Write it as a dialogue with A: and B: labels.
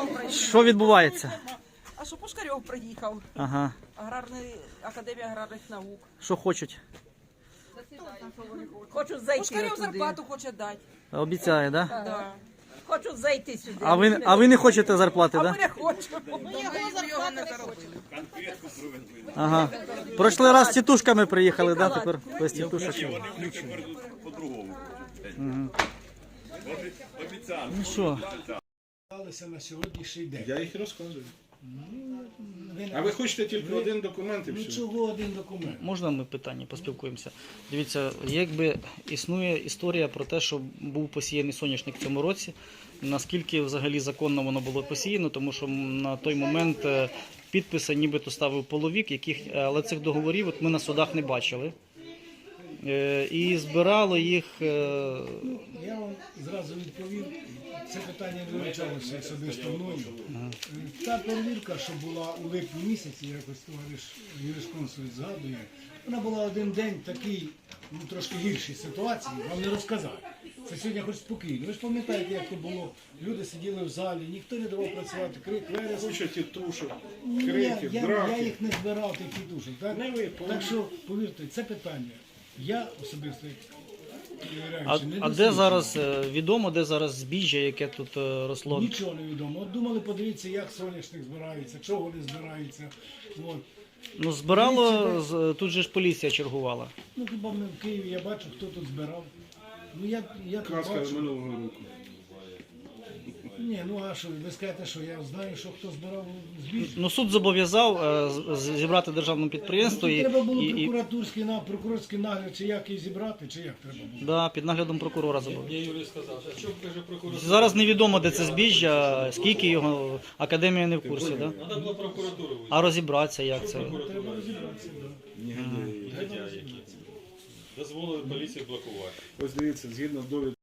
A: Пушкарьов приїхав.
B: Що відбувається?
A: А що Пушкарьов приїхав?
B: Ага.
A: Академія аграрних наук.
B: Що хочуть?
C: Хочу зайти
A: Пушкарьов
C: туди.
A: зарплату хоче дати.
B: Обіцяє, да?
A: Да.
C: Хочу зайти сюди.
B: А ви не хочете зарплати,
A: А
B: да?
A: ми не хочемо. Його не заробили.
B: Ага. Прошлий раз з тітушками приїхали, да? Тепер без тітушок. Ну що?
D: На сьогоднішній день.
E: Я їх розказую. А ви хочете тільки один документ і
D: Ну
E: все?
D: чого один документ?
B: Можна ми питання поспілкуємося? Дивіться, якби існує історія про те, що був посіяний соняшник в цьому році, наскільки взагалі законно воно було посіяно, тому що на той момент підписи нібито ставив половик, але цих договорів от ми на судах не бачили. І збирало їх...
D: Я вам зразу відповів, це питання не вивчалося особисто мною. Та перевірка, що була у липні місяці, якось товариш юрисконсульт згадує, вона була один день такий, ну трошки гіршій ситуації, вам не розказав. Це сьогодні хоч спокійно. Ви ж пам'ятаєте, як то було, люди сиділи в залі, ніхто не давав працювати, крик, вереск.
E: Куча тітушок,
D: Я
E: криків,
D: їх
E: драки.
D: не збирав, тих тітушок. Так?
E: Не ви,
D: Так що, повірте, це питання. Я особисто, як
B: А
D: перевіряючи, не
B: де
D: досліджую.
B: зараз, відомо, де зараз збіжжя, яке тут росло?
D: Нічого не відомо. От думали, подивіться, як соняшник збирається, чого вони збираються. От.
B: Ну, збирало, тут же ж поліція чергувала.
D: Ну хіба ми в Києві, я бачу, хто тут збирав. Ну я тут
E: Казка
D: бачу.
E: минулого року.
D: Ні, ну а що, ви скажете, що я знаю, що хто збирав збіжжя.
B: Ну, суд зобов'язав зібрати державне підприємство
D: Тут треба було
B: і
D: прокурорський нагляд, чи як її зібрати, чи як треба було.
B: да, під наглядом прокурора зобов'язав.
F: Мені Юрій сказав, а що каже прокурор?
B: Зараз невідомо, де це збіжжя, скільки його, академія не в курсі, да?
F: Треба було прокуратуру вийти.
B: А розібратися, як це?
D: Треба розібратися, так.
F: Дозволили поліції блокувати.
E: Ось дивіться, згідно довідки